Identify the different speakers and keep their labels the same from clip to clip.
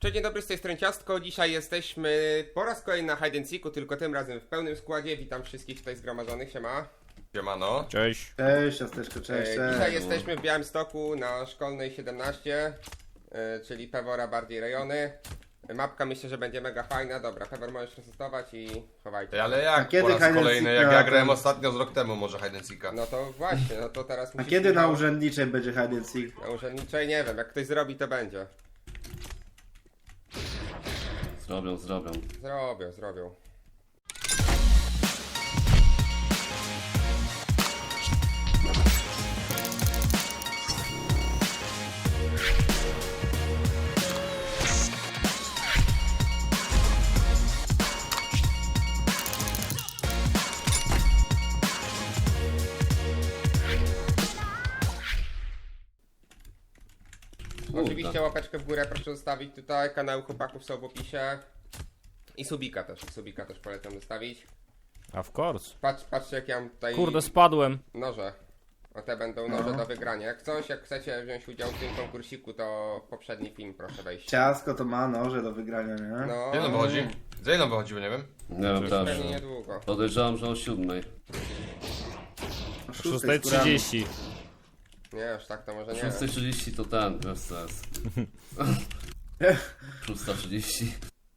Speaker 1: Cześć, dzień dobry, z tej strony Ciastko. Dzisiaj jesteśmy po raz kolejny na Hide and Seeku, tylko tym razem w pełnym składzie. Witam wszystkich tutaj zgromadzonych, siema.
Speaker 2: Siemano.
Speaker 3: Cześć.
Speaker 4: Cześć, ciasteczko, cześć,
Speaker 1: Dzisiaj
Speaker 4: cześć.
Speaker 1: jesteśmy w Białymstoku na Szkolnej 17, czyli Pewora bardziej rejony. Mapka myślę, że będzie mega fajna. Dobra, Pewor możesz resestować i chowajcie.
Speaker 2: Ale
Speaker 4: A
Speaker 2: jak
Speaker 4: kiedy
Speaker 2: po raz
Speaker 4: hide and
Speaker 2: kolejny,
Speaker 4: seeka
Speaker 2: jak ja
Speaker 4: ten-
Speaker 2: grałem ostatnio z rok temu może hide and seeka.
Speaker 1: No to właśnie, no to teraz
Speaker 4: A
Speaker 1: musisz...
Speaker 4: kiedy na urzędniczej będzie hide and seek?
Speaker 1: Na urzędniczej nie wiem, jak ktoś zrobi to będzie.
Speaker 3: Zrobią.
Speaker 1: Zrobią. Oczywiście łapeczkę w górę proszę zostawić tutaj, kanały chłopaków są w opisie. I subika też polecam zostawić.
Speaker 3: Of course.
Speaker 1: Patrzcie jak ja mam tutaj
Speaker 3: Kurde, spadłem.
Speaker 1: noże. O te będą noże do wygrania. Jak chcecie wziąć udział w tym konkursiku, to poprzedni film proszę wejść.
Speaker 4: Ciastko to ma noże do wygrania, nie?
Speaker 1: No,
Speaker 2: Ile nam wychodzi? Za ile nam wychodziło, nie wiem.
Speaker 3: Nie wiem też.
Speaker 1: pewnie niedługo.
Speaker 3: Podejrzewam, że o 7.
Speaker 4: O
Speaker 3: 6:30.
Speaker 1: Nie, aż tak to może nie.
Speaker 3: 6:30 to ten, bez sens. 6:30.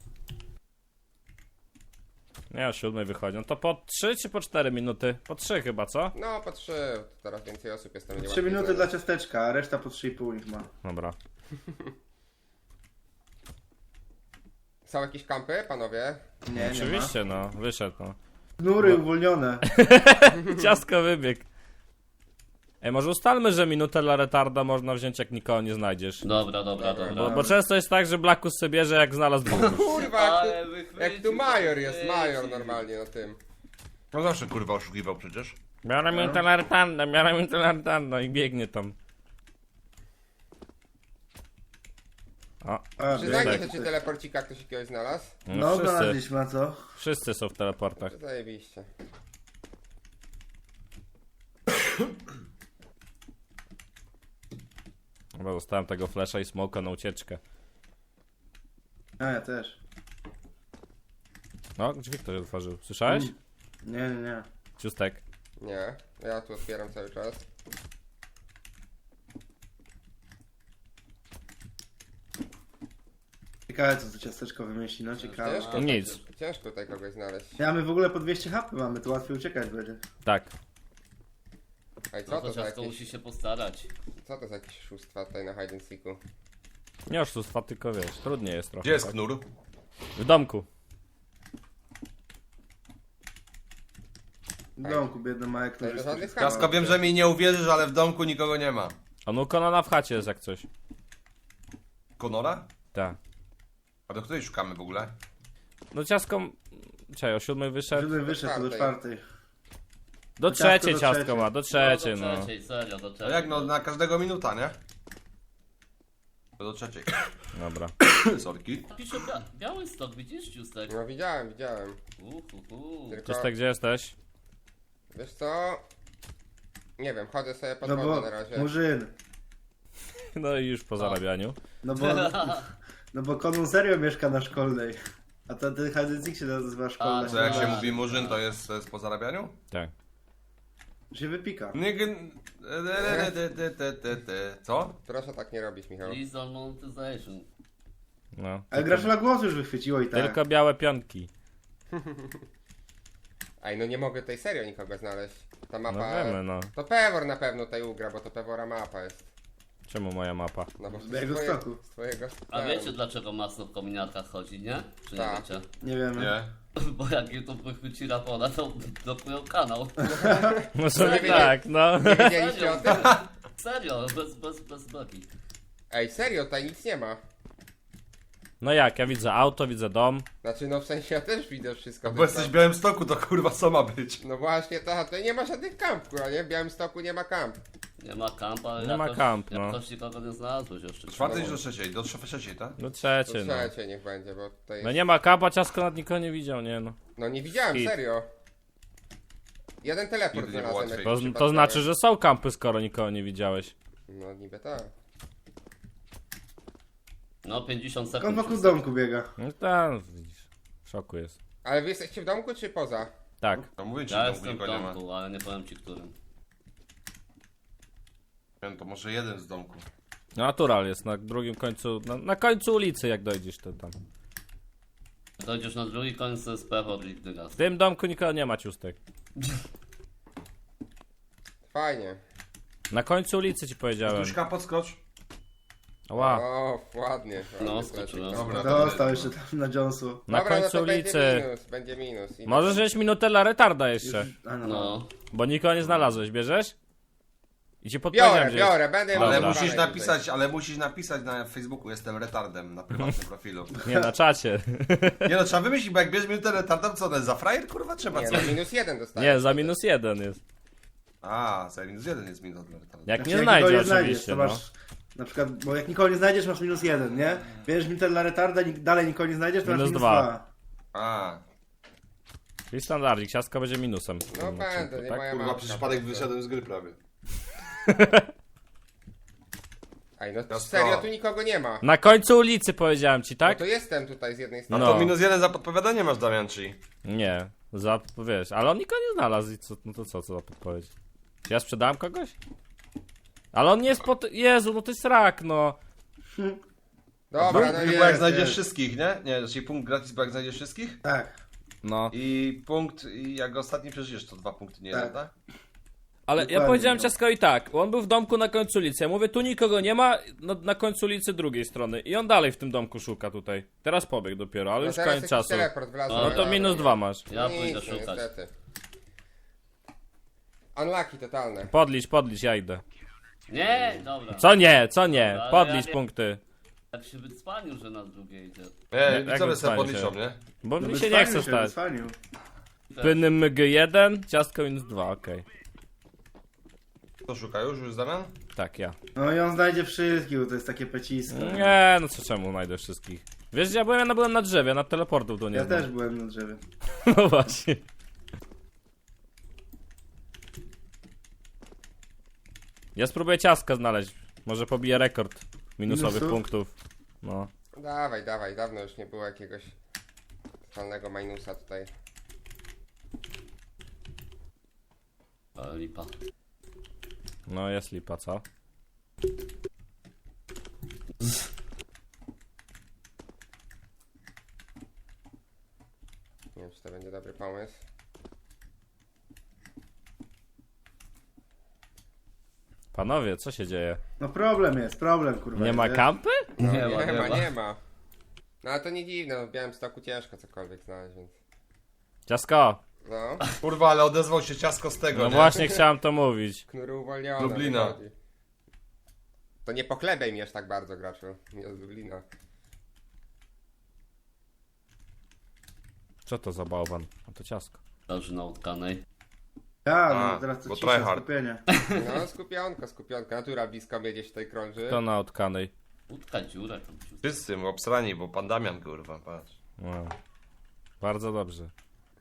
Speaker 3: Nie, o 7 wychodzi. No to po 3 czy po 4 minuty? Po 3 chyba, co?
Speaker 1: No po 3, teraz więcej osób jest, to będzie
Speaker 4: 3
Speaker 1: łatwiej
Speaker 4: minuty
Speaker 1: znaleźć.
Speaker 4: dla ciasteczka, a reszta po 3,5 niech ma.
Speaker 3: Dobra.
Speaker 1: Są jakieś kampy, panowie?
Speaker 4: Nie,
Speaker 3: Oczywiście, no. Wyszedł, no.
Speaker 4: Chmury uwolnione.
Speaker 3: Ciastko wybieg. Ej, może ustalmy, że minutę dla retarda można wziąć, jak nikogo nie znajdziesz.
Speaker 5: Dobra.
Speaker 3: Bo często jest tak, że Blackus sobie bierze, jak znalazł dwóch.
Speaker 1: Kurwa,
Speaker 5: Ale
Speaker 1: jak tu major jest, major normalnie na tym.
Speaker 2: No zawsze kurwa oszukiwał przecież.
Speaker 3: Biorę minutę dla retarda i biegnie tam. O,
Speaker 1: Przyznajcie
Speaker 3: tak.
Speaker 1: się, czy teleporcika ktoś jakiegoś znalazł?
Speaker 4: No,
Speaker 3: wszyscy,
Speaker 4: znaleźliśmy, a co?
Speaker 3: wszyscy są w teleportach.
Speaker 1: Zajebiście.
Speaker 3: Chyba zostałem tego flasha i smoka na ucieczkę.
Speaker 4: A ja też.
Speaker 3: No, drzwi ktoś otworzył. Słyszałeś?
Speaker 4: Nie.
Speaker 3: Ciustek.
Speaker 1: Nie, ja tu otwieram cały czas.
Speaker 4: Ciekawe co to ciasteczko wymyśli, no ciekawe.
Speaker 1: Ciężko,
Speaker 3: Nic.
Speaker 1: ciężko tutaj kogoś znaleźć.
Speaker 4: Ja my w ogóle po 200 HP mamy, to łatwiej uciekać będzie.
Speaker 3: Tak.
Speaker 1: Ej, co
Speaker 5: No
Speaker 1: to
Speaker 5: to
Speaker 1: za
Speaker 5: ciastko
Speaker 1: jakieś,
Speaker 5: musi się postarać.
Speaker 1: co to za jakieś oszustwa tutaj na hide and seeku?
Speaker 3: Nie oszustwa, tylko wiesz, trudniej jest trochę.
Speaker 2: Gdzie jest
Speaker 3: tak?
Speaker 2: knur?
Speaker 3: W domku.
Speaker 4: W domku biedny Majek,
Speaker 1: To
Speaker 4: który
Speaker 1: żadnych
Speaker 4: jest...
Speaker 1: skarbów.
Speaker 2: Ciastko, wiem, że mi nie uwierzysz, ale w domku nikogo nie ma.
Speaker 3: A no Konana w chacie jest jak coś.
Speaker 2: Konora?
Speaker 3: Tak.
Speaker 2: A do której szukamy w ogóle?
Speaker 3: No ciastko... Czekaj, o 7 wyszedł?
Speaker 4: Żeby wyszedł to do czwartej.
Speaker 3: Do
Speaker 4: ciastko
Speaker 3: trzeciej
Speaker 4: do
Speaker 3: ciastko
Speaker 4: trzeciej.
Speaker 3: ma, do trzeciej
Speaker 5: do
Speaker 3: no.
Speaker 5: trzeciej, serio, do
Speaker 2: A
Speaker 5: trzeciej.
Speaker 2: jak no, na każdego minuta, nie? To do trzeciej.
Speaker 3: Dobra.
Speaker 2: Sorki.
Speaker 5: Pisze Białystok, widzisz, Ciustek?
Speaker 1: No widziałem. Tylko,
Speaker 3: Ciustek, gdzie jesteś?
Speaker 1: wiesz co? Nie wiem, chodzę sobie po
Speaker 4: No
Speaker 1: dworze
Speaker 4: bo,
Speaker 1: na razie.
Speaker 4: Murzyn.
Speaker 3: No i już po zarabianiu.
Speaker 4: No bo Konun serio mieszka na szkolnej. A ten hide and seek się nazywa szkolna.
Speaker 2: To jak się
Speaker 5: Tak.
Speaker 2: mówi murzyn, to jest po zarabianiu?
Speaker 3: Tak.
Speaker 4: Się wypika.
Speaker 2: Co?
Speaker 1: Proszę tak nie robić, Michał.
Speaker 5: Please on monetization.
Speaker 3: No.
Speaker 4: Ale Graszula głos już wychwyciło i tak.
Speaker 3: Tylko białe pionki.
Speaker 1: Ej, no nie mogę tutaj serio nikogo znaleźć. Ta
Speaker 3: No
Speaker 1: mapa...
Speaker 3: wiemy no.
Speaker 1: To Pewor na pewno tutaj ugra, bo to Pewora mapa jest.
Speaker 3: Czemu moja mapa?
Speaker 1: No bo
Speaker 4: Z mojego stoku.
Speaker 1: z twojego
Speaker 5: A wiecie dlaczego masno w kominiarkach chodzi, nie? Czy nie
Speaker 1: Tak.
Speaker 5: wiecie?
Speaker 4: Nie wiemy.
Speaker 2: Nie.
Speaker 5: Bo jak YouTube wychwyci rapora, to blokują kanał.
Speaker 3: No sobie
Speaker 1: Nie
Speaker 3: tak, no.
Speaker 1: Nie wiedzieliście o tym?
Speaker 5: Serio, bez bloki.
Speaker 1: Ej, serio, tutaj nic nie ma.
Speaker 3: No jak, ja widzę auto, widzę dom.
Speaker 1: Znaczy, no w sensie ja też widzę wszystko.
Speaker 2: Bo jesteś w Białymstoku, to kurwa co ma być?
Speaker 1: No właśnie, to tutaj nie ma żadnych kamp, kurwa, nie? W Białymstoku nie ma kamp.
Speaker 5: Nie ma kampa,
Speaker 3: Nie ma kamp, no.
Speaker 5: jakoś nikogo nie znalazłeś jeszcze.
Speaker 2: Do czwartej czy do trzeciej? Do trzeciej, tak?
Speaker 3: No
Speaker 1: To
Speaker 3: trzecie, no.
Speaker 1: trzecie niech będzie, bo tutaj...
Speaker 3: No nie ma kapa, ciastko nad nikogo nie widział, nie no.
Speaker 1: No nie widziałem,
Speaker 3: Hit.
Speaker 1: serio. Jeden teleport
Speaker 2: Nigdy nie było
Speaker 1: znalazłem.
Speaker 2: łatwiej.
Speaker 1: jakiś
Speaker 3: To znaczy,
Speaker 1: przypadkowy.
Speaker 3: że są kampy, skoro nikogo nie widziałeś.
Speaker 1: No niby tak.
Speaker 5: No 50
Speaker 4: On
Speaker 5: sekund.
Speaker 4: wokół
Speaker 5: już
Speaker 4: domku biega.
Speaker 3: No tam, widzisz. W szoku jest.
Speaker 1: Ale wy jesteście w domku czy poza?
Speaker 3: Tak.
Speaker 2: No mówię ci,
Speaker 5: Ja
Speaker 2: że
Speaker 5: jestem w
Speaker 2: nikogo nie ma.
Speaker 5: domku, ale nie powiem ci którym.
Speaker 2: Nie wiem, to może jeden z domku.
Speaker 3: No, natural jest na drugim końcu, na końcu ulicy jak dojdziesz to tam.
Speaker 5: Dojdziesz na drugi koniec, to jest pewor i dygas.
Speaker 3: W tym domku nikogo nie ma, ciustek.
Speaker 1: Fajnie.
Speaker 3: Na końcu ulicy ci powiedziałem.
Speaker 2: Tuśka, podskocz.
Speaker 3: Ła.
Speaker 1: O, ładnie.
Speaker 5: No,
Speaker 1: ładnie,
Speaker 5: skoczyłem.
Speaker 2: Dobra,
Speaker 4: Dostał jeszcze tam na Jonesu.
Speaker 3: Na
Speaker 1: Dobra,
Speaker 3: końcu
Speaker 1: no to
Speaker 3: ulicy.
Speaker 1: Będzie minus. I
Speaker 3: Możesz wziąć minutę dla retarda jeszcze.
Speaker 4: A no.
Speaker 5: No.
Speaker 3: Bo nikogo nie znalazłeś, bierzesz? I ci podpowiedziałem,
Speaker 1: Biorę, będę
Speaker 3: Dobra.
Speaker 2: Ale
Speaker 1: miał
Speaker 2: musisz napisać na Facebooku, jestem retardem, na prywatnym profilu.
Speaker 3: Nie, na czacie.
Speaker 2: Nie no, trzeba wymyślić, bo jak bierzesz minutę retardem, co one za frajer, kurwa, trzeba
Speaker 1: Nie,
Speaker 2: coś.
Speaker 1: no -1 dostajesz.
Speaker 3: Nie, za -1 jest.
Speaker 2: A, za -1 jest minut dla retarda.
Speaker 3: Jak
Speaker 4: Znaczy,
Speaker 3: nie
Speaker 4: jak
Speaker 3: znajdzie
Speaker 4: nikogo nie znajdziesz,
Speaker 3: oczywiście,
Speaker 4: to
Speaker 3: no.
Speaker 4: masz... Na przykład, bo jak nikogo nie znajdziesz, masz -1, nie? Bierzesz minutę dla retarda, dalej nikogo nie znajdziesz, to masz
Speaker 3: Minus
Speaker 4: minus
Speaker 3: dwa.
Speaker 4: 2.
Speaker 2: A,
Speaker 3: Czyli standardzik, ciastka będzie minusem.
Speaker 1: No będę, nie
Speaker 3: tak?
Speaker 1: moja
Speaker 2: kurwa,
Speaker 1: mapka.
Speaker 2: przez przypadek wyszedłem z gry prawie.
Speaker 1: Ej, no
Speaker 2: No
Speaker 1: serio,
Speaker 2: stop.
Speaker 1: tu nikogo nie ma.
Speaker 3: Na końcu ulicy powiedziałem ci,
Speaker 1: No
Speaker 3: tak?
Speaker 1: to jestem tutaj z jednej
Speaker 2: No
Speaker 1: strony.
Speaker 3: No.
Speaker 2: to -1 za podpowiadanie masz, Damianczy.
Speaker 3: Nie, wiesz, ale on nikogo nie znalazł i co, no to co za podpowiedź? Czy ja sprzedałem kogoś? Ale on nie jest pod... Jezu, no to jest rak, no.
Speaker 1: Dobra, no
Speaker 2: Bo jak
Speaker 1: jest.
Speaker 2: znajdziesz wszystkich, nie? Nie, czyli punkt gratis, bo jak znajdziesz wszystkich.
Speaker 4: Tak.
Speaker 3: No.
Speaker 2: I punkt, i jak ostatni przeżyjesz, to 2 punkty, nie
Speaker 4: Tak.
Speaker 2: jeden, tak?
Speaker 3: Ale ja
Speaker 4: Dokładnie,
Speaker 3: powiedziałem
Speaker 4: no.
Speaker 3: ciastkowi tak, on był w domku na końcu ulicy, ja mówię, tu nikogo nie ma, no, na końcu ulicy drugiej strony. I on dalej w tym domku szuka tutaj. Teraz pobiegł dopiero, ale
Speaker 1: No
Speaker 3: już
Speaker 1: teraz
Speaker 3: koniec
Speaker 1: jakiś
Speaker 3: czasu.
Speaker 1: teleport wlazłem,
Speaker 3: No to
Speaker 1: ale-
Speaker 3: -2 masz.
Speaker 5: Ja
Speaker 1: Nic,
Speaker 5: pójdę
Speaker 1: no,
Speaker 5: szukać.
Speaker 1: niestety. Unlucky totalne.
Speaker 3: Podlicz, ja idę.
Speaker 5: Nie, dobra.
Speaker 3: Co nie, co nie?
Speaker 5: Ale
Speaker 3: Podlicz
Speaker 5: ja nie-
Speaker 3: punkty.
Speaker 5: Tak się wycwanił, że na drugie idzie.
Speaker 2: Nie,
Speaker 3: Jak
Speaker 2: widzowie sobie
Speaker 3: wycwanie
Speaker 2: podliczą,
Speaker 3: się?
Speaker 2: nie?
Speaker 3: Bo
Speaker 4: No
Speaker 3: mi się nie chce stać.
Speaker 4: Wycwanił.
Speaker 3: Pynny MG1, ciastko -2, okej.
Speaker 2: Kto szuka już Damian?
Speaker 3: Tak, ja.
Speaker 4: No i on znajdzie wszystkich, bo to jest takie pecisko.
Speaker 3: Nie, no co czemu znajdę wszystkich? Wiesz gdzie ja byłem? Ja byłem na drzewie, na teleportów tu nie
Speaker 4: Ja
Speaker 3: znam.
Speaker 4: też byłem na drzewie.
Speaker 3: No właśnie. Ja spróbuję ciastka znaleźć. Może pobiję rekord minusowych
Speaker 4: Minusów?
Speaker 3: punktów. No.
Speaker 1: Dawaj, dawno już nie było jakiegoś totalnego minusa tutaj.
Speaker 5: Ale lipa.
Speaker 3: No jest lipa, co?
Speaker 1: Nie wiem, czy to będzie dobry pomysł.
Speaker 3: Panowie, co się dzieje?
Speaker 4: No problem, kurwa.
Speaker 3: Nie ma
Speaker 4: jest.
Speaker 3: kampy?
Speaker 1: No,
Speaker 5: Nie ma.
Speaker 1: nie ma. No ale to nie dziwne, no w Białymstoku ciężko cokolwiek znaleźć, więc...
Speaker 3: Ciasko!
Speaker 1: No,
Speaker 2: Kurwa, ale odezwał się ciasko z tego,
Speaker 3: No
Speaker 2: nie?
Speaker 3: właśnie chciałem to mówić.
Speaker 1: knury uwolnione.
Speaker 2: Lublina.
Speaker 1: wychodzi. To nie pochlebaj mi aż tak bardzo, graczu. Nie z Lublina.
Speaker 3: Co to za bałwan? No to ciasko.
Speaker 5: Leży na utkanej.
Speaker 4: Ja,
Speaker 2: A,
Speaker 4: no teraz to
Speaker 2: bo
Speaker 4: cisza,
Speaker 2: tryhard.
Speaker 4: skupienie.
Speaker 1: No, skupionka. Natura blisko mnie gdzieś tutaj krąży.
Speaker 3: To na utkanej.
Speaker 5: Utka dziurę tam ciut.
Speaker 2: Wszyscy obsrani, bo pan Damian, kurwa, patrz.
Speaker 3: No. Bardzo dobrze.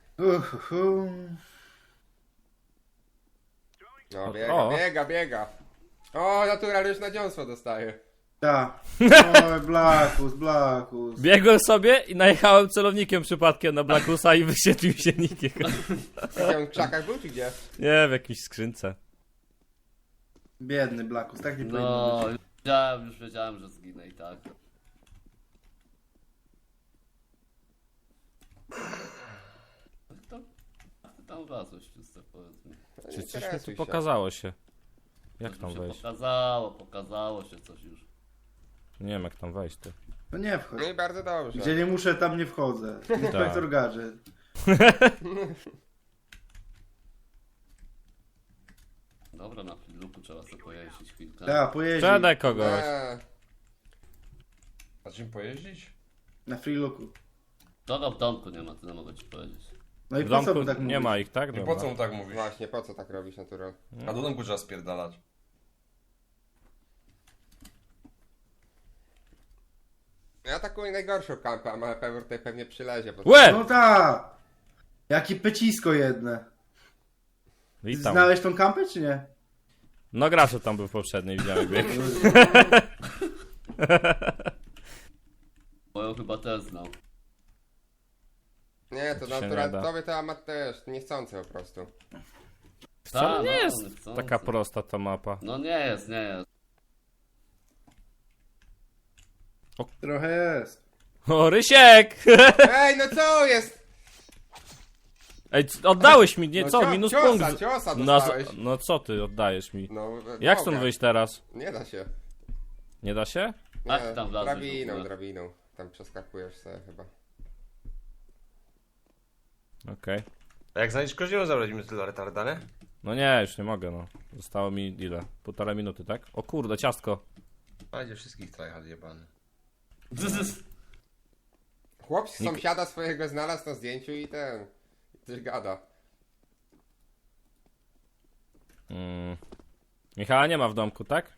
Speaker 1: No,
Speaker 3: O.
Speaker 1: biega. O, Natural już na dziąsło dostaje.
Speaker 4: Tak. Oj, Blackus.
Speaker 3: Biegłem sobie i najechałem celownikiem przypadkiem na Blackusa i wyświetlił się nikiem.
Speaker 1: Gdzie on w krzakach był, czy gdzie?
Speaker 3: Nie, w jakiejś skrzynce.
Speaker 4: Biedny Blackus, tak nie powinno
Speaker 5: No,
Speaker 4: być.
Speaker 5: już wiedziałem, że zginę i tak. Jak ty tam wlazłeś, czysto powiedz mi.
Speaker 1: No, nie
Speaker 3: Czy coś mi tu
Speaker 1: interesuj się.
Speaker 3: pokazało się? Jak
Speaker 5: Coś
Speaker 3: tam
Speaker 5: mi się
Speaker 3: wejść?
Speaker 5: pokazało się coś już.
Speaker 3: Nie wiem jak tam wejść ty.
Speaker 4: No nie wchodź.
Speaker 1: No i bardzo dobrze.
Speaker 4: Gdzie nie muszę, tam nie wchodzę. Inspektor Gadżet.
Speaker 5: Dobra, na Fliluku trzeba sobie pojeździć chwilkę.
Speaker 4: Tak, pojeździ.
Speaker 3: Sprzedaj kogoś.
Speaker 2: A czym pojeździć?
Speaker 4: Na free looku.
Speaker 5: Kogo w domku nie ma, tyle mogę ci powiedzieć.
Speaker 4: No i
Speaker 3: W
Speaker 4: po co
Speaker 3: domku
Speaker 4: by tak
Speaker 3: nie
Speaker 4: mówić?
Speaker 3: ma ich, tak?
Speaker 2: I
Speaker 3: Dobra.
Speaker 2: po co mu tak mówisz?
Speaker 1: Właśnie, po co tak robisz, Natural?
Speaker 2: A do domku trzeba spierdalać.
Speaker 1: Ja atakuję najgorszą kampę, a Pewor tutaj pewnie przylezie. Bo...
Speaker 3: Łe!
Speaker 4: No tak! Jakie pecisko jedne.
Speaker 3: Witam.
Speaker 4: Znałeś tą kampę, czy nie?
Speaker 3: No gracz tam był w poprzedniej, widziałem jak bieg.
Speaker 5: Moją chyba też znał.
Speaker 1: Nie, to
Speaker 3: To się nie
Speaker 1: natural,
Speaker 3: da.
Speaker 1: tobie to amat też, niechcący po prostu.
Speaker 3: Wcale nie
Speaker 5: no,
Speaker 3: jest
Speaker 5: niechcący.
Speaker 3: taka prosta ta mapa.
Speaker 5: No nie jest, nie jest.
Speaker 4: Trochę jest.
Speaker 3: O, Rysiek!
Speaker 1: Ej, no co jest?
Speaker 3: Ej, oddałeś mi, nie,
Speaker 1: No
Speaker 3: co,
Speaker 1: cio-
Speaker 3: minus
Speaker 1: ciosa,
Speaker 3: punkt.
Speaker 1: ciosa
Speaker 3: No,
Speaker 1: dostałeś.
Speaker 3: no co ty oddajesz mi?
Speaker 1: No,
Speaker 3: Jak
Speaker 1: mogę.
Speaker 3: stąd wyjść teraz?
Speaker 1: Nie da się.
Speaker 3: Nie da się?
Speaker 5: Jak
Speaker 1: Nie,
Speaker 5: tam wlazłeś w
Speaker 1: drabiną,
Speaker 5: ogóle?
Speaker 1: drabiną. Tam przeskakujesz sobie chyba.
Speaker 3: Okej.
Speaker 2: A jak znajdziesz koździełą, zabrać mi tyle retarda, nie?
Speaker 3: No nie, już nie mogę, no. Zostało mi ile? 1,5 minuty, tak? O kurde, ciastko.
Speaker 2: Będzie wszystkich tryhard jebany.
Speaker 1: Chłop sąsiada swojego znalazł na zdjęciu i ten... i coś gada.
Speaker 3: Michała nie ma w domku, tak?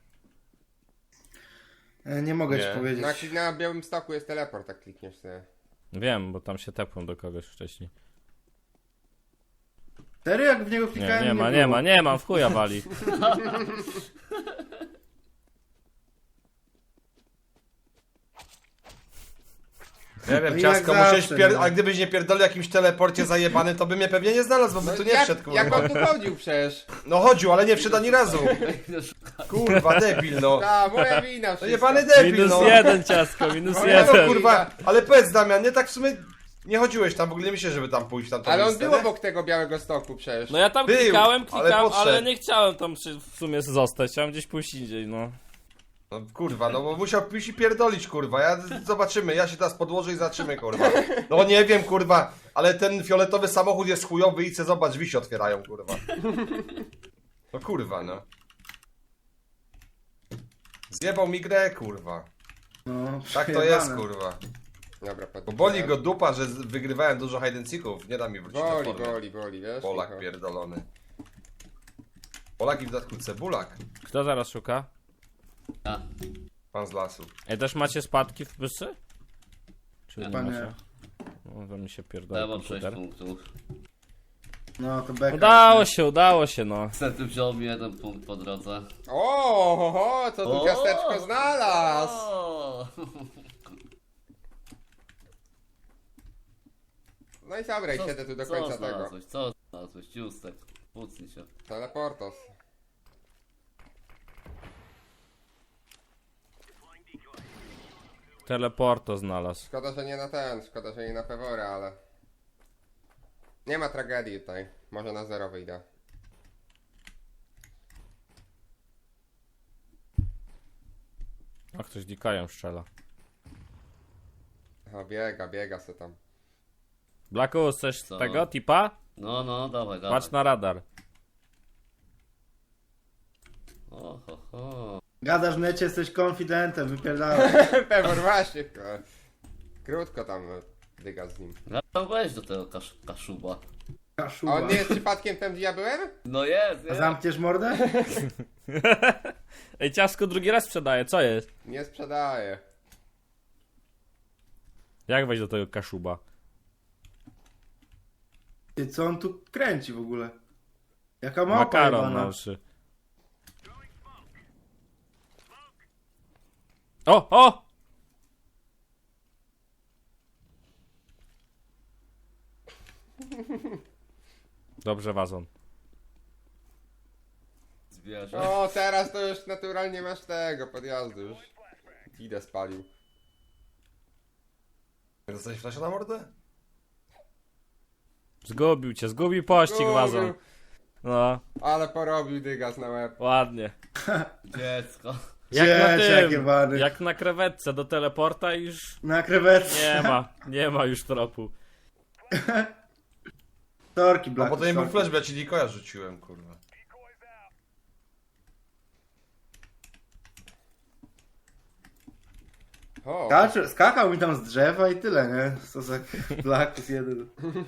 Speaker 4: Nie mogę
Speaker 2: Nie.
Speaker 4: ci powiedzieć.
Speaker 1: Na Białym Stoku jest teleport, tak klikniesz sobie.
Speaker 3: Wiem, bo tam się tepłem do kogoś wcześniej.
Speaker 4: Serio, jak w niego
Speaker 3: Nie,
Speaker 4: klikałem?
Speaker 3: nie ma, w chuja wali.
Speaker 2: Nie wiem,
Speaker 4: No
Speaker 2: ciastko,
Speaker 4: jak
Speaker 2: musiałeś
Speaker 4: zawsze, no.
Speaker 2: a gdybyś nie pierdolił jakimś teleporcie zajebany, to by mnie pewnie nie znalazł, bo by tu nie
Speaker 1: jak,
Speaker 2: wszedł,
Speaker 1: jak
Speaker 2: kurwa.
Speaker 1: on tu chodził przecież?
Speaker 2: No chodził, ale nie wszedł ani razu. Kurwa, debil, no.
Speaker 1: Ta, moja wina
Speaker 2: No
Speaker 1: wszystko.
Speaker 2: jebany debil,
Speaker 3: Minus
Speaker 2: no.
Speaker 3: 1 ciastko, minus
Speaker 1: No,
Speaker 2: No,
Speaker 3: 1.
Speaker 2: kurwa, ale powiedz Damian, nie tak w sumie nie chodziłeś tam, w ogóle nie myślę, żeby tam pójść tam.
Speaker 1: Ale on był obok tego Białego Stoku przecież.
Speaker 3: No ja tam
Speaker 2: Był,
Speaker 3: klikałem,
Speaker 2: ale
Speaker 3: ale
Speaker 2: podszedł.
Speaker 3: nie chciałem tam w sumie zostać, chciałem gdzieś pójść indziej, no.
Speaker 2: No kurwa, no bo musiał pójść i pierdolić, kurwa. Zobaczymy, ja się teraz podłożę i zobaczymy, kurwa. No nie wiem, kurwa, ale ten fioletowy samochód jest chujowy i zobacz, drzwi się otwierają, kurwa. No kurwa, no. Zjebał mi grę, kurwa.
Speaker 4: No,
Speaker 2: Tak to
Speaker 4: przejebane.
Speaker 2: jest, kurwa.
Speaker 1: Dobra,
Speaker 2: Bo boli go dupa, że wygrywałem dużo hide and seeków. Nie da mi wrócić do
Speaker 1: Boli,
Speaker 2: formy.
Speaker 1: boli, wiesz?
Speaker 2: Polak
Speaker 1: Michał?
Speaker 2: pierdolony. Polak i w dodatku cebulak.
Speaker 3: Kto zaraz szuka?
Speaker 5: A,
Speaker 2: Pan z lasu.
Speaker 3: Ej, też macie spadki w bysy? Czy nie
Speaker 4: Chyba nie.
Speaker 3: macie? No to mi się pierdoli
Speaker 5: ja mam 6
Speaker 3: komputer.
Speaker 5: punktów.
Speaker 4: No to beka.
Speaker 3: Udało się, no.
Speaker 5: Niestety wziął mi 1 punkt po drodze.
Speaker 1: O, co tu
Speaker 5: O!
Speaker 1: ciasteczko znalazł?
Speaker 5: O!
Speaker 1: No i dobra, i siedzę tu do
Speaker 5: Co
Speaker 1: końca tego.
Speaker 5: znalazłeś? Co znalazłeś? Ciustek. Pucnij się.
Speaker 1: Teleportos.
Speaker 3: Teleporto znalazł.
Speaker 1: Szkoda, że nie na ten, szkoda, że nie na Pewora, ale... Nie ma tragedii tutaj. Może na 0 wyjdę.
Speaker 3: A ktoś dikają strzela.
Speaker 1: O, biega se tam.
Speaker 3: Blackus, chcesz
Speaker 5: Co?
Speaker 3: tego tipa?
Speaker 5: No, no, dawaj, dawaj.
Speaker 3: Patrz na radar.
Speaker 5: O, ho, ho.
Speaker 4: Gadasz w necie, jesteś konfidentem, wypierdalaj.
Speaker 1: Pewor właśnie. Krótko tam dyga z nim.
Speaker 5: Ja tam weź do tego kaszuba.
Speaker 1: A
Speaker 4: Kaszuba.
Speaker 1: on nie jest przypadkiem tam, gdzie ja byłem?
Speaker 5: No jest,
Speaker 4: A
Speaker 5: jest.
Speaker 4: zamkniesz mordę?
Speaker 3: Ej, ciastko drugi raz sprzedaje, co jest?
Speaker 1: Nie sprzedaję.
Speaker 3: Jak wejść do tego kaszuba?
Speaker 4: Ty, co on tu kręci w ogóle? Jaka małpa
Speaker 3: Makaron
Speaker 4: jebana.
Speaker 3: na uszy. O! Dobrze, wazon.
Speaker 5: Zwierzę.
Speaker 1: O, teraz to już naturalnie masz tego podjazdu już. Idę spalił.
Speaker 2: Dostałeś flasza na mordę?
Speaker 3: Zgubił pościg, wazon. No,
Speaker 1: Ale porobił dygas na łeb.
Speaker 3: ładnie.
Speaker 5: Dziecko.
Speaker 3: Jak na
Speaker 4: Dzieciak
Speaker 3: tym,
Speaker 4: jebany.
Speaker 3: jak na krewetce do teleporta i już
Speaker 4: Na krewetce.
Speaker 3: nie ma już tropu.
Speaker 4: Torki,
Speaker 2: No
Speaker 4: Black.
Speaker 2: bo to nie był flash, bo ja ci Dikoja rzuciłem, kurwa.
Speaker 1: O,
Speaker 4: Skakał mi tam z drzewa i tyle, nie? Co za Blackus jeden.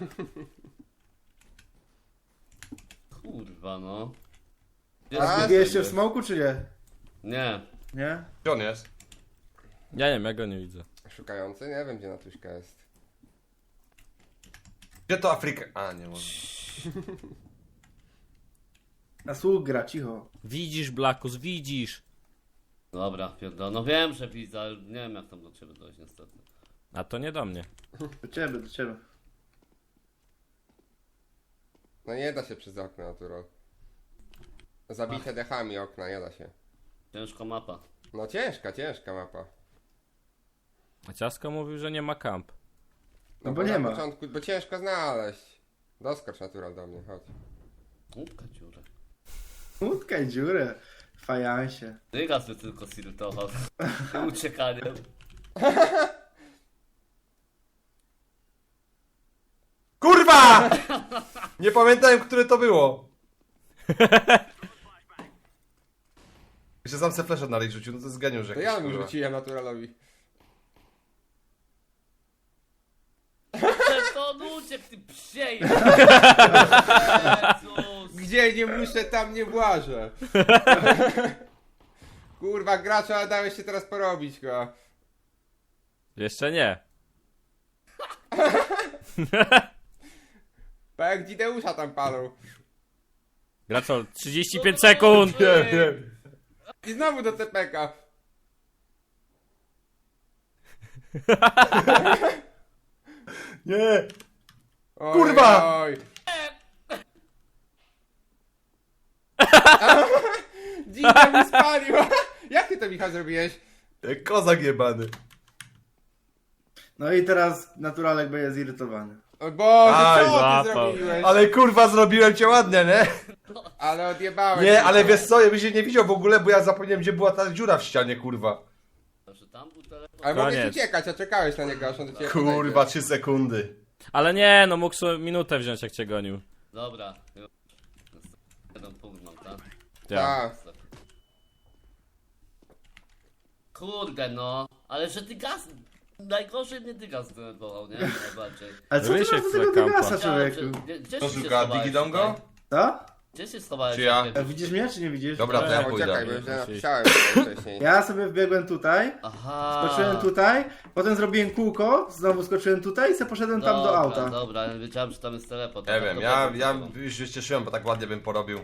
Speaker 5: Kurwa, no.
Speaker 1: A,
Speaker 4: Zgubiłeś się w smoku, czy nie?
Speaker 5: Nie.
Speaker 4: Nie?
Speaker 2: Gdzie on jest?
Speaker 3: Ja nie wiem, ja go nie widzę.
Speaker 1: szukający? Nie wiem, gdzie Natuśka jest.
Speaker 2: Gdzie to Afryka? A, nie może.
Speaker 4: Na słuch gra, cicho.
Speaker 3: Widzisz, Blackus, widzisz.
Speaker 5: Dobra, pierdol. No wiem, że widzę, ale nie wiem jak tam do ciebie dojść niestety.
Speaker 3: A to nie do mnie.
Speaker 4: Do ciebie, do ciebie.
Speaker 1: No nie da się przez okno, natural. Zabite dechami okna, nie da się.
Speaker 5: Ciężka mapa.
Speaker 1: No ciężka mapa.
Speaker 3: A Ciasko mówił, że nie ma kamp.
Speaker 4: No bo
Speaker 1: na
Speaker 4: nie ma.
Speaker 1: początku, bo ciężko znaleźć. Doskocz natural do mnie, chodź.
Speaker 5: Łupka dziura.
Speaker 4: Utkaj dziurę. Fajansie.
Speaker 5: Dygas by tylko zirytował. Tym uciekaniem.
Speaker 2: Kurwa! Nie pamiętałem, które to było. Jeszcze sam se flash na rej rzucił, no to jest geniusz
Speaker 1: To
Speaker 2: jakiś,
Speaker 1: ja mu
Speaker 2: kurwa.
Speaker 1: rzuciłem naturalowi.
Speaker 5: Że to on uciekł, ty psiej! Jezus!
Speaker 1: Gdzie nie muszę, tam nie włażę. Kurwa, gracza, ale dałeś się teraz porobić go.
Speaker 3: Jeszcze nie.
Speaker 1: Tak jak Dzideusza tam palą.
Speaker 3: Gracol, 35 sekund!
Speaker 1: I znowu do CPK.
Speaker 2: Nie!
Speaker 1: Oj,
Speaker 2: Kurwa!
Speaker 1: Oj. Dzida mi spalił. Jak ty to, Michał, zrobiłeś?
Speaker 2: Jak kozak jebany.
Speaker 4: No i teraz naturalek będzie zirytowany.
Speaker 1: O Boże,
Speaker 2: Aj,
Speaker 1: co ty
Speaker 3: złapał.
Speaker 1: zrobiłeś?
Speaker 2: Ale kurwa, zrobiłem cię ładnie, nie?
Speaker 1: Ale odjebałeś.
Speaker 2: Nie,
Speaker 1: mi
Speaker 2: ale
Speaker 1: to.
Speaker 2: wiesz co, ja byś się nie widział w ogóle, bo ja zapomniałem, gdzie była ta dziura w ścianie, kurwa.
Speaker 5: Że tam był telefon.
Speaker 1: Ale mogłeś
Speaker 3: Koniec.
Speaker 1: uciekać, a czekałeś na niego, aż on do ciebie
Speaker 2: Kurwa,
Speaker 1: podejdzie.
Speaker 2: 3 sekundy.
Speaker 3: Ale nie, no mógł sobie minutę wziąć, jak cię gonił.
Speaker 5: Dobra. Jeden punkt mam, tak?
Speaker 3: Ja.
Speaker 1: Tak.
Speaker 5: Kurde no, ale że ty gaz... Najgorzej mnie ty gaz zdenerwował, nie? Najbardziej.
Speaker 4: Ale co ty
Speaker 3: Wysiek
Speaker 4: masz do tego
Speaker 3: z kampa.
Speaker 4: Dygasa, człowieku?
Speaker 5: Gdzie
Speaker 2: To
Speaker 5: się
Speaker 2: szuka
Speaker 5: schowałeś
Speaker 2: Digidongo?
Speaker 5: tutaj?
Speaker 4: Co?
Speaker 5: Gdzie się schowałeś?
Speaker 2: Czy ja?
Speaker 4: A widzisz mnie, czy nie widzisz?
Speaker 2: Dobra, to ja
Speaker 1: Bo czekaj,
Speaker 2: pójdę.
Speaker 1: bo już
Speaker 3: Musisz.
Speaker 1: napisałem wcześniej.
Speaker 4: Ja sobie wbiegłem tutaj,
Speaker 5: Aha.
Speaker 4: skoczyłem tutaj, potem zrobiłem kółko, znowu skoczyłem tutaj i sobie poszedłem tam do
Speaker 5: Dobra,
Speaker 4: auta.
Speaker 5: Dobra, ja wiedziałem, że tam jest teleport.
Speaker 2: Nie
Speaker 5: Tak
Speaker 2: wiem,
Speaker 5: to
Speaker 2: ja
Speaker 5: powiem.
Speaker 2: już się cieszyłem, bo tak ładnie bym porobił.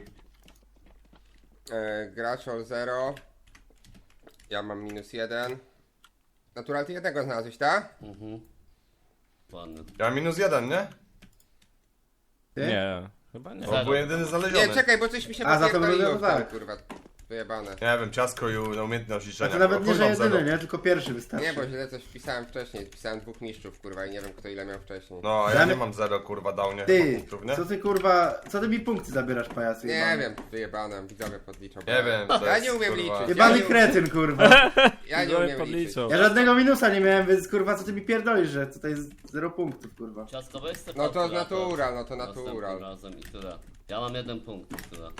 Speaker 1: Graczol 0. Ja mam -1. Natural, ty jednego znalazłeś, tak?
Speaker 5: Mhm. Ładny.
Speaker 2: Ja mam -1, nie?
Speaker 4: Ty?
Speaker 3: Nie, chyba nie.
Speaker 2: Bo byłem jedyny znaleziony.
Speaker 1: Nie, czekaj, bo coś mi się
Speaker 4: A, za to
Speaker 1: popierdoliło
Speaker 4: było
Speaker 1: w tym,
Speaker 4: tak.
Speaker 1: kurwa. Wyjebane.
Speaker 2: Nie wiem, ciasko i na umiejętność
Speaker 4: A
Speaker 2: liczenia.
Speaker 4: to nawet nie, że
Speaker 2: Kurwa,
Speaker 4: jedyny,
Speaker 2: zero.
Speaker 4: nie? Tylko pierwszy wystarczy.
Speaker 1: Nie, bo źle coś wpisałem wcześniej. Wpisałem 2 mistrzów, kurwa, i nie wiem, kto ile miał wcześniej.
Speaker 2: No, a ja
Speaker 4: Damy-
Speaker 2: nie mam 0, kurwa, downie
Speaker 4: Ty,
Speaker 2: punktów, nie?
Speaker 4: co ty kurwa, co ty mi punkty zabierasz, pajacu?
Speaker 1: Nie
Speaker 4: jebany?
Speaker 1: wiem, wyjebane, widzowie podliczą.
Speaker 2: Nie wiem, to
Speaker 1: Ja
Speaker 2: jest,
Speaker 1: nie umiem
Speaker 2: kurwa.
Speaker 1: liczyć.
Speaker 4: Jebany
Speaker 1: Ja nie-
Speaker 4: kretyn, kurwa.
Speaker 1: Ja nie
Speaker 3: Widzowie
Speaker 1: umiem liczyć.
Speaker 3: podliczą.
Speaker 4: Ja żadnego minusa nie miałem, więc kurwa, co ty mi pierdolisz, że tutaj jest 0 punktów, kurwa.
Speaker 5: Ciastko, weź sobie
Speaker 1: No to
Speaker 5: kalkulator.
Speaker 1: natural, no to
Speaker 5: Następnym
Speaker 1: natural.
Speaker 5: razem i tyle. Ja mam 1 punkt i tyle.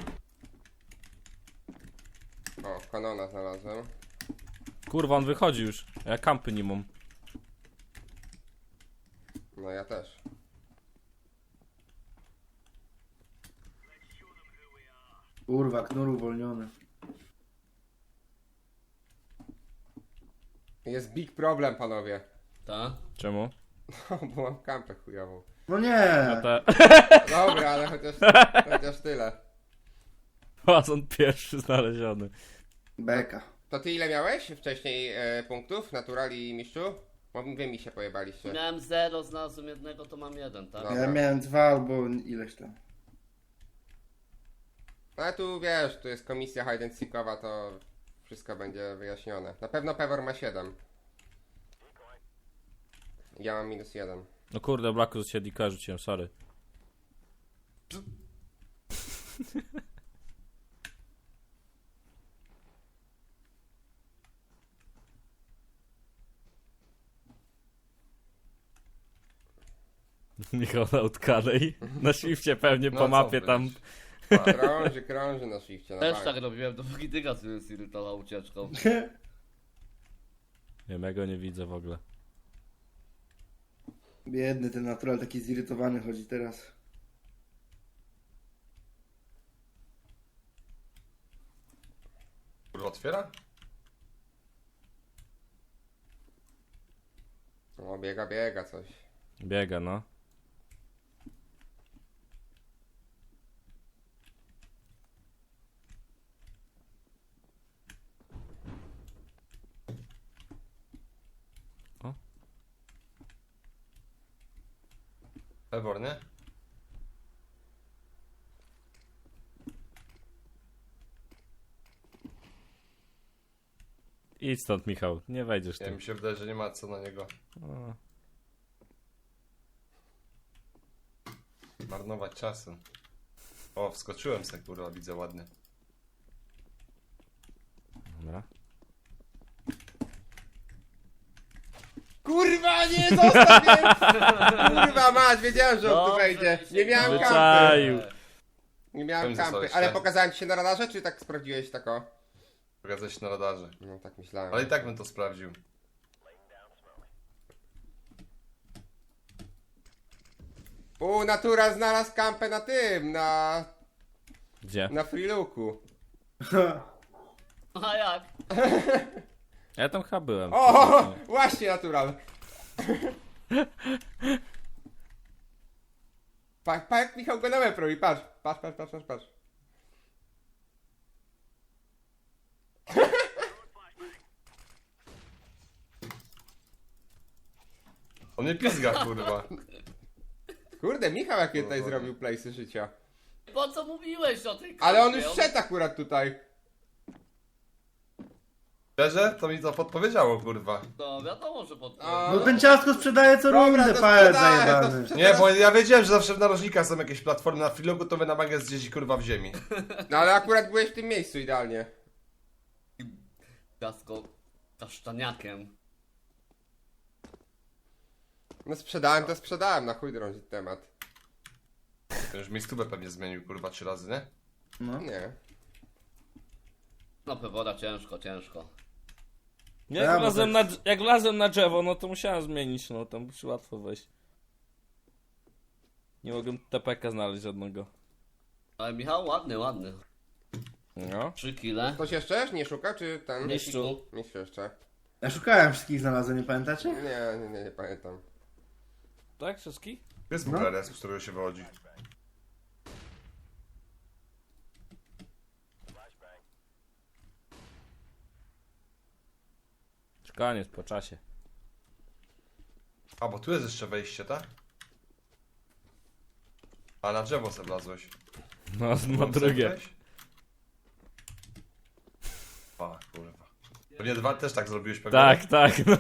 Speaker 1: O, kanona znalazłem.
Speaker 3: Kurwa, on wychodzi już. Ja kampy nie mam.
Speaker 1: No ja też.
Speaker 4: Kurwa, knur uwolniony.
Speaker 1: Jest big problem, panowie.
Speaker 5: Ta?
Speaker 3: Czemu?
Speaker 1: Bo mam kampę chujową.
Speaker 4: No nie!
Speaker 3: No te...
Speaker 1: Dobra, ale chociaż tyle.
Speaker 3: Wazon pierwszy znaleziony.
Speaker 4: Beka.
Speaker 1: To ty ile miałeś wcześniej punktów, natural i mistrzu? Bo wy mi się pojebaliście.
Speaker 5: Miałem 0, znalazłem jednego, to mam 1, tak?
Speaker 1: No.
Speaker 4: Ja
Speaker 1: Dobra.
Speaker 4: miałem 2 albo ileś tam.
Speaker 1: No ale tu wiesz, tu jest komisja hide and seekowa, to wszystko będzie wyjaśnione. Na pewno Pewor ma 7. Ja mam -1.
Speaker 3: No kurde, Blacku się dika rzuciłem, sorry. Michał na utkanej. Na shifcie pewnie
Speaker 1: No
Speaker 3: po
Speaker 1: co
Speaker 3: mapie
Speaker 1: wy.
Speaker 3: tam.
Speaker 1: Krąży na shifcie, na
Speaker 5: Też
Speaker 1: bank.
Speaker 5: tak robiłem, dopóki Dygas mnie zirytował ucieczką.
Speaker 3: Nie wiem, ja go nie widzę w ogóle.
Speaker 4: Biedny ten natural, taki zirytowany chodzi teraz.
Speaker 2: Kurwa, otwiera?
Speaker 1: O, biega coś.
Speaker 3: Biega, no. O.
Speaker 2: Ebor, nie?
Speaker 3: Idź stąd, Michał, nie wejdziesz
Speaker 2: Ja
Speaker 3: tu.
Speaker 2: mi się wydaje, że nie ma co na niego
Speaker 3: O,
Speaker 2: marnować czasu. O, wskoczyłem se, kurwa, widzę ładnie.
Speaker 3: dobra.
Speaker 1: Kurwa, nie, zostaw mnie! Kurwa mać, wiedziałem, że on tu
Speaker 5: Dobrze,
Speaker 1: wejdzie.
Speaker 5: się
Speaker 1: Nie miałem kampy.
Speaker 3: Wyczaił.
Speaker 1: Nie miałem
Speaker 2: Powiem, że
Speaker 1: kampy.
Speaker 2: coś,
Speaker 1: Ale
Speaker 2: tak?
Speaker 1: pokazałem ci się na radarze, czy tak sprawdziłeś tako?
Speaker 2: Pokazać się na radarze.
Speaker 1: No tak myślałem.
Speaker 2: Ale i tak bym to sprawdził.
Speaker 1: Natura znalazł kampę na tym,
Speaker 3: Gdzie?
Speaker 1: na freelooku.
Speaker 5: A jak?
Speaker 3: Ja tam chyba byłem.
Speaker 1: O, właśnie natural. Pa jak Michał go na łeb robi, patrz. Patrz.
Speaker 2: On mnie pizga, kurwa.
Speaker 1: Kurde, Michał jakie tutaj zrobił playsy życia.
Speaker 5: Po co mówiłeś o tej
Speaker 1: Ale on
Speaker 5: kampie?
Speaker 1: już szedł akurat tutaj.
Speaker 2: Szczerze? To mi to podpowiedziało, kurwa.
Speaker 5: No wiadomo, że pod...
Speaker 1: A,
Speaker 4: No ten ciastko sprzedaje co
Speaker 1: Dobra,
Speaker 4: rundę,
Speaker 1: to
Speaker 4: pajac
Speaker 1: sprzedaję,
Speaker 4: zajebany.
Speaker 1: to
Speaker 2: Nie, bo ja wiedziałem, że zawsze w narożnikach są jakieś platformy na freelogu, to wy na magę gdzieś, kurwa, w ziemi.
Speaker 1: No ale akurat byłeś w tym miejscu idealnie.
Speaker 5: Ciastko kasztaniakiem.
Speaker 1: No sprzedałem, to sprzedałem, na chuj drążyć temat.
Speaker 2: Już miejscówę pewnie zmienił, kurwa, 3 razy, nie?
Speaker 4: No.
Speaker 1: Nie.
Speaker 5: No Pewora ciężko.
Speaker 3: Jak,
Speaker 4: Ja, bo
Speaker 3: wlazłem
Speaker 4: tak-
Speaker 3: jak wlazłem na drzewo, no to musiałem zmienić, no tam musi łatwo wejść. Nie mogłem TPK znaleźć żadnego.
Speaker 5: Ale Michał ładny.
Speaker 3: No.
Speaker 5: 3 kile.
Speaker 1: Ktoś jeszcze nie szuka, czy ten?
Speaker 3: Mistrzu.
Speaker 1: Mistrzu jeszcze.
Speaker 4: Ja szukałem wszystkich, znalazłem, nie pamiętacie?
Speaker 1: Nie pamiętam.
Speaker 3: Tak, wszystkich?
Speaker 2: Jest w ogóle res, z którego się wychodzi.
Speaker 3: Koniec, po czasie.
Speaker 2: A, bo tu jest jeszcze wejście, tak? A na drzewo se wlazłeś.
Speaker 3: No, no
Speaker 2: Tam se
Speaker 3: drugie.
Speaker 2: wejść? A, kurwa. Pewnie dwa też tak zrobiłeś pewnie.
Speaker 3: Tak, no.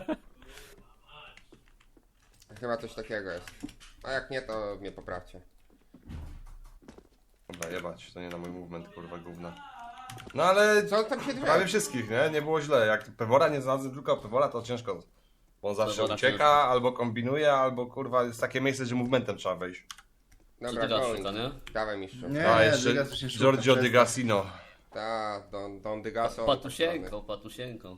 Speaker 1: Chyba coś takiego jest. A jak nie, to mnie poprawcie.
Speaker 2: Dobra, jebać, to nie na mój movement, kurwa, gówna. No ale
Speaker 1: Co on tam się
Speaker 2: prawie
Speaker 1: drze?
Speaker 2: wszystkich, nie? Nie było źle. Jak Pewora nie znalazłem tylko Pewora, to ciężko. Bo on zawsze
Speaker 5: Pewora
Speaker 2: ucieka,
Speaker 5: ciężko.
Speaker 2: albo kombinuje, albo kurwa jest takie miejsce, że movementem trzeba wejść.
Speaker 5: Co
Speaker 1: Dobra,
Speaker 5: ty gadasz,
Speaker 1: going.
Speaker 5: szuka, nie?
Speaker 1: Dawaj mistrzu.
Speaker 4: Nie,
Speaker 2: A
Speaker 4: nie,
Speaker 2: jeszcze
Speaker 4: Dygas to się szuka,
Speaker 2: Giorgio
Speaker 4: przestań.
Speaker 2: Di Gassino.
Speaker 1: Ta, Don Dygaso.
Speaker 5: Patusieńką.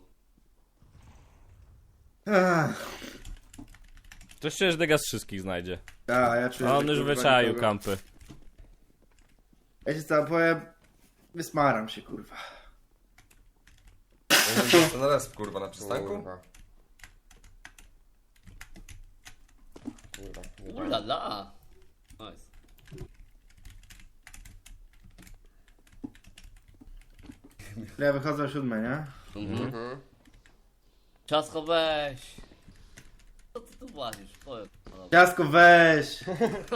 Speaker 4: Ach,
Speaker 3: Ktoś czujesz, że Degas wszystkich znajdzie.
Speaker 4: a ja czuję,
Speaker 3: A
Speaker 4: że
Speaker 3: on już
Speaker 4: kurwa
Speaker 3: wyczaił
Speaker 4: nikogo.
Speaker 3: kampy.
Speaker 4: Ja ci co powiem, wysmaram się, kurwa.
Speaker 2: To na resp, kurwa, na przystanku?
Speaker 1: Kurwa. Kurwa.
Speaker 5: Ulala. Nice.
Speaker 4: Ja wychodzę o 7, nie?
Speaker 1: Mhm.
Speaker 5: Ciastko weź. Co ty tu włazisz? Powiem. No dobra.
Speaker 4: Ciastko weź!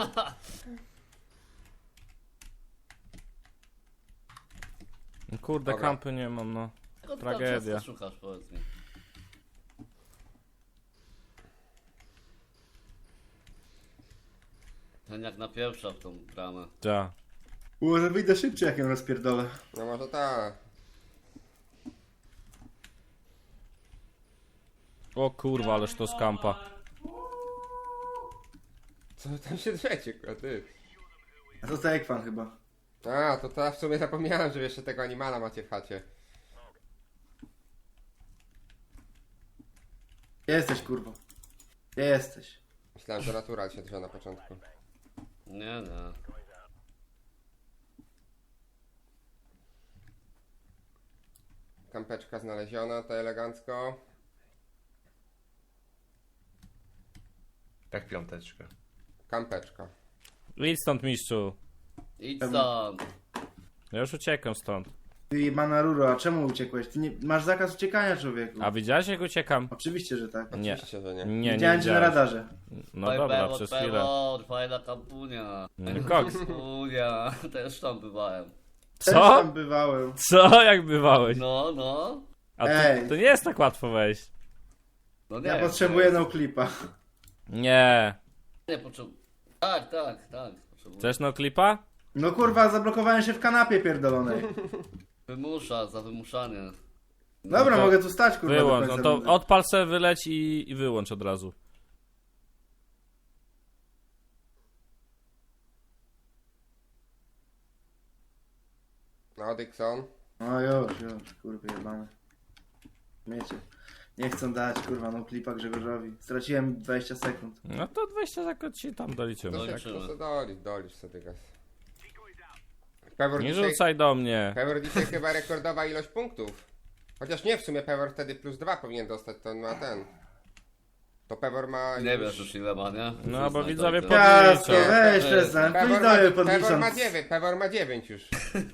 Speaker 3: Kurde,
Speaker 1: Dobra.
Speaker 3: kampy nie mam, no.
Speaker 5: Czego ty tam
Speaker 3: Tragedia.
Speaker 5: ciastka szukasz, powiedz mi. Ten jak napieprza w tą bramę.
Speaker 3: Ja.
Speaker 4: Może wyjdę szybciej, jak ją rozpierdolę.
Speaker 1: No może tak.
Speaker 3: O kurwa, ależ to z kampa.
Speaker 1: Co wy tam się drzecie, ty?
Speaker 4: A to za Ekwan chyba.
Speaker 1: A, to ja w sumie zapomniałem, że jeszcze tego animala macie w chacie.
Speaker 4: Gdzie jesteś, kurwa? Gdzie jesteś?
Speaker 1: Myślałem, że natural się drze na początku.
Speaker 5: Nie.
Speaker 1: Kampeczka znaleziona, to elegancko.
Speaker 2: Jak piąteczkę.
Speaker 1: Kampeczka.
Speaker 3: Idź stąd, mistrzu.
Speaker 5: Idź stąd.
Speaker 3: Ja już uciekam stąd.
Speaker 4: Ty mana ruro, a czemu uciekłeś? Ty nie... masz zakaz uciekania, człowieku.
Speaker 3: A widziałeś, jak uciekam?
Speaker 4: Oczywiście, że tak.
Speaker 3: Nie.
Speaker 1: Oczywiście, że nie.
Speaker 3: Nie
Speaker 4: Widziałem cię na
Speaker 3: widziałeś.
Speaker 4: radarze.
Speaker 3: No dobra, przez chwilę.
Speaker 5: Fajna kampunia.
Speaker 3: Koks.
Speaker 5: Kampunia. Też tam bywałem.
Speaker 4: Też
Speaker 3: Co?
Speaker 4: tam bywałem.
Speaker 3: Co? Jak bywałeś?
Speaker 5: No, no.
Speaker 3: A
Speaker 4: Ej.
Speaker 3: to nie jest tak łatwo wejść.
Speaker 5: No nie.
Speaker 4: Ja potrzebuję no clipa.
Speaker 3: Nie.
Speaker 5: Nie potrzebuję. Tak. Potrzebuję.
Speaker 3: Chcesz no klipa?
Speaker 4: No kurwa, zablokowałem się w kanapie pierdolonej.
Speaker 5: Wymusza, za wymuszanie.
Speaker 4: Dobra,
Speaker 3: to
Speaker 4: mogę tu stać kurwa do
Speaker 3: Wyłącz, no
Speaker 4: końca
Speaker 3: to
Speaker 4: rundy.
Speaker 3: odpal se, wyleć i wyłącz od razu.
Speaker 1: No, Dixon.
Speaker 4: No już, kurwa jebane. Miecie. Nie chcą dać kurwa no clipa Grzegorzowi. Straciłem 20 sekund.
Speaker 3: No to 20 sekund ci tam doliczymy.
Speaker 1: To
Speaker 5: Doliczymy.
Speaker 1: jak to dolisz sobie gaz. Pewor
Speaker 3: Nie
Speaker 1: dzisiaj,
Speaker 3: rzucaj do mnie.
Speaker 1: Pewor dzisiaj chyba rekordowa ilość punktów. Chociaż nie, w sumie Pewor wtedy plus 2 powinien dostać, to on ma ten. To Pewor ma
Speaker 5: Nie wiesz już ile ma, nie?
Speaker 3: No, bo
Speaker 5: Przyznaj,
Speaker 3: widzowie
Speaker 5: tak.
Speaker 4: Ciasko,
Speaker 3: Podliczę.
Speaker 4: weź przestań.
Speaker 1: Pewor
Speaker 4: Pójdź
Speaker 1: ma, Pewor ma
Speaker 4: podliczam.
Speaker 1: 9, Pewor ma 9 już.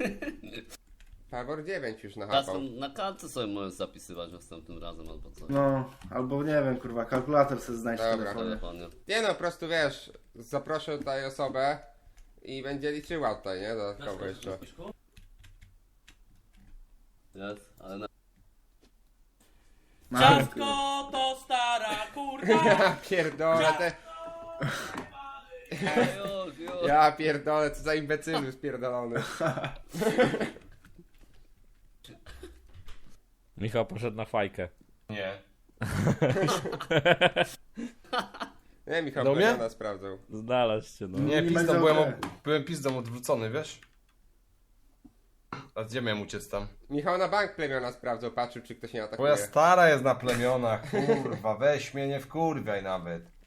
Speaker 1: Pewor 9 już
Speaker 5: Teraz
Speaker 1: nachapał.
Speaker 5: na kartce sobie możesz zapisywać następnym razem albo coś.
Speaker 4: No, albo nie wiem kurwa, kalkulator sobie znajdź w
Speaker 1: Dobra.
Speaker 4: telefonie.
Speaker 5: Telefonie.
Speaker 1: Nie no, po prostu wiesz, zaproszę tutaj osobę i będzie liczyła tutaj, nie? Dodatkowo jeszcze.
Speaker 5: Jest, ale na...
Speaker 6: Ciastko to stara kurwa.
Speaker 1: Ja pierdolę,
Speaker 5: Już.
Speaker 1: ja pierdolę, co za imbecylu spierdolony.
Speaker 3: Michał poszedł na fajkę.
Speaker 2: Nie.
Speaker 1: Nie, Michał
Speaker 2: Do mnie?
Speaker 1: Plemiona sprawdzał.
Speaker 3: Znalazł się, no.
Speaker 2: Nie,
Speaker 4: Nie
Speaker 2: pizdą
Speaker 4: będzie
Speaker 2: byłem,
Speaker 4: okej.
Speaker 2: byłem pizdą odwrócony, wiesz? A gdzie miałem uciec tam?
Speaker 1: Michał na bank Plemiona sprawdzał, patrzył czy ktoś nie
Speaker 2: Twoja
Speaker 1: atakuje.
Speaker 2: stara jest na plemionach, kurwa, weź mnie nie wkurwiaj nawet.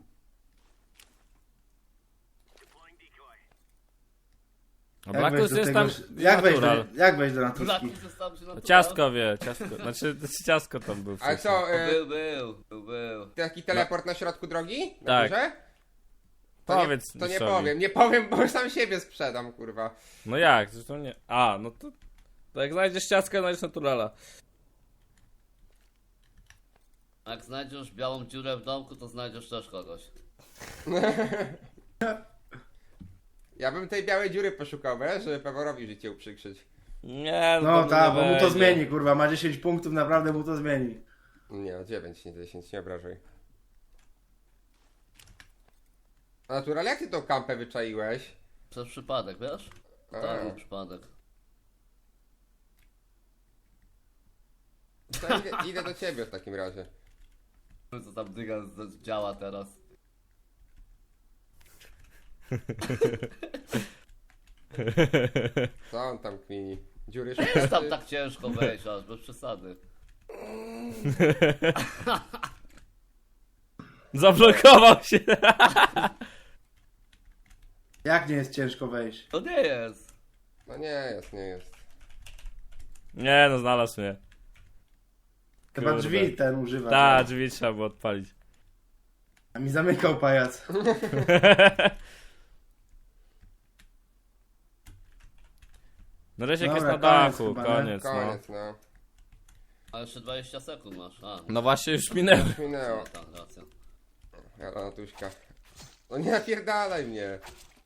Speaker 3: A Blackus jest tam natural.
Speaker 4: Jak wejść do naturski?
Speaker 5: Blackus został się na
Speaker 3: Ciastko wie, ciastko. Znaczy ciastko tam był
Speaker 1: Ale
Speaker 3: wcześniej.
Speaker 1: co,
Speaker 5: Był.
Speaker 1: taki teleport na środku drogi? Na
Speaker 3: Tak.
Speaker 1: górze? To
Speaker 3: Powiedz
Speaker 1: nie, to nie
Speaker 3: Mistrzowi.
Speaker 1: nie powiem, bo sam siebie sprzedam, kurwa.
Speaker 3: No jak? Zresztą nie. A, no to jak znajdziesz ciastkę, znajdziesz naturala.
Speaker 5: Jak znajdziesz białą dziurę w domku, to znajdziesz też kogoś.
Speaker 1: Ja bym tej białej dziury poszukał, wiesz, żeby Peworowi życie uprzykrzyć.
Speaker 3: Nie,
Speaker 4: No
Speaker 3: to
Speaker 4: tak,
Speaker 3: nie
Speaker 4: bo mu to
Speaker 3: będzie.
Speaker 4: zmieni kurwa, ma 10 punktów, naprawdę mu to zmieni.
Speaker 1: Nie, 9, nie 10, nie obrażaj. Natural, jak ty tą kampę wyczaiłeś?
Speaker 5: Przez przypadek, wiesz?
Speaker 1: A.
Speaker 5: Tak, był przypadek.
Speaker 1: To idę do ciebie w takim razie.
Speaker 5: Co tam dyga działa teraz?
Speaker 1: Co on tam kmini? Dziury
Speaker 5: Jest
Speaker 1: szuka,
Speaker 5: tam
Speaker 1: czy...
Speaker 5: tak ciężko wejść, aż bez przesady.
Speaker 3: Zablokował się.
Speaker 4: Jak nie jest ciężko wejść?
Speaker 5: To nie jest.
Speaker 1: No nie jest, nie jest.
Speaker 3: Nie, no znalazł mnie.
Speaker 4: Chyba
Speaker 3: Kurde.
Speaker 4: drzwi ten używa.
Speaker 3: Ta, drzwi trzeba było odpalić.
Speaker 4: A mi zamykał pajac.
Speaker 3: No Rysiek jest
Speaker 4: Dobra,
Speaker 3: na
Speaker 4: koniec
Speaker 3: dachu,
Speaker 4: chyba, nie?
Speaker 3: koniec, no.
Speaker 1: Koniec, no.
Speaker 5: A jeszcze 20 sekund masz. A,
Speaker 3: No właśnie już minęły.
Speaker 1: Minęło.
Speaker 5: no tak, racja.
Speaker 1: Jala Natuśka. No nie napierdalaj mnie.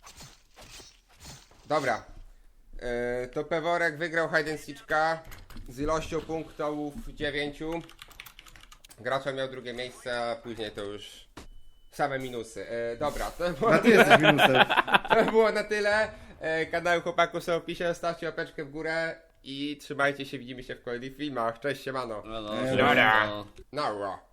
Speaker 1: Dobra. To Peworek wygrał hide and seeka z ilością punktów 9. Gracza miał drugie miejsce, a później to już same minusy. Dobra, to było,
Speaker 4: A ty jesteś minusem.
Speaker 1: to było na tyle. Kanał chłopaków są w opisie, stawcie łapeczkę w górę i trzymajcie się, widzimy się w kolejnych filmach. Cześć, siemano.
Speaker 5: No, no,
Speaker 4: Ej,
Speaker 5: no.
Speaker 1: Nara.